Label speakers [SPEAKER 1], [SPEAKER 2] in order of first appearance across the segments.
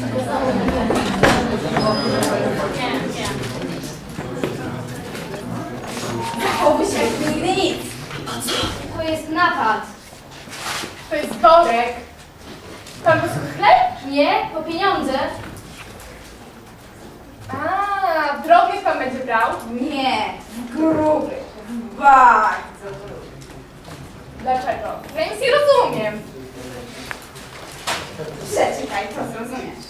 [SPEAKER 1] Zachowuj się jak nigdy nic.
[SPEAKER 2] To jest napad.
[SPEAKER 1] To jest worek. Pan posłuch chleb?
[SPEAKER 2] Nie, po pieniądze.
[SPEAKER 1] A, drobnych pan będzie brał?
[SPEAKER 3] Nie, gruby, bardzo gruby.
[SPEAKER 1] Dlaczego? Ja nic nie rozumiem.
[SPEAKER 3] Przeczytaj, to zrozumiesz.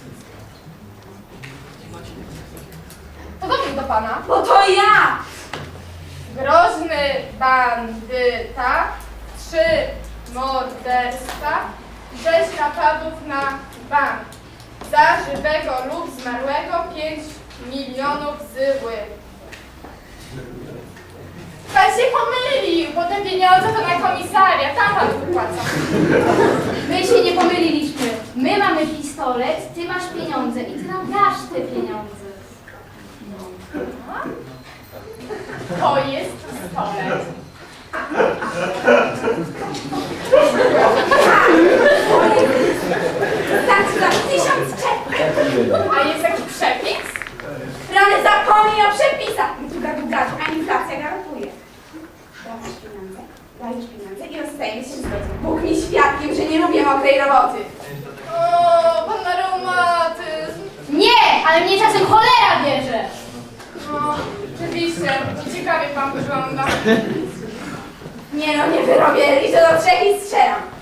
[SPEAKER 1] Podobnie do pana.
[SPEAKER 3] Bo to ja!
[SPEAKER 1] Groźny bandyta, 3 morderstwa, 6 napadów na bank. Za żywego lub zmarłego 5 milionów złych. Pan się pomylił, bo te pieniądze to na komisariat, tam pan wypłaca.
[SPEAKER 2] My się nie pomyliliśmy. My mamy pistolet, ty masz pieniądze i ty nam dasz te pieniądze.
[SPEAKER 1] To jest pistolet.
[SPEAKER 3] Starczy za 1000 czek.
[SPEAKER 1] A jest jakiś przepis?
[SPEAKER 3] Rany, zapomnij o przepisach. Tu gadu, a inflacja garantuje. Dajesz pieniądze i rozstajemy się z godzin. Bóg mi świadkiem, że nie lubię mokrej roboty.
[SPEAKER 1] O, pan ma reumatyzm.
[SPEAKER 2] Nie, ale mnie czasem cholera bierze.
[SPEAKER 1] No, oczywiście. Ciekawie pan wygląda.
[SPEAKER 3] Nie no, nie wyrobię, liczę do 3 i strzelam.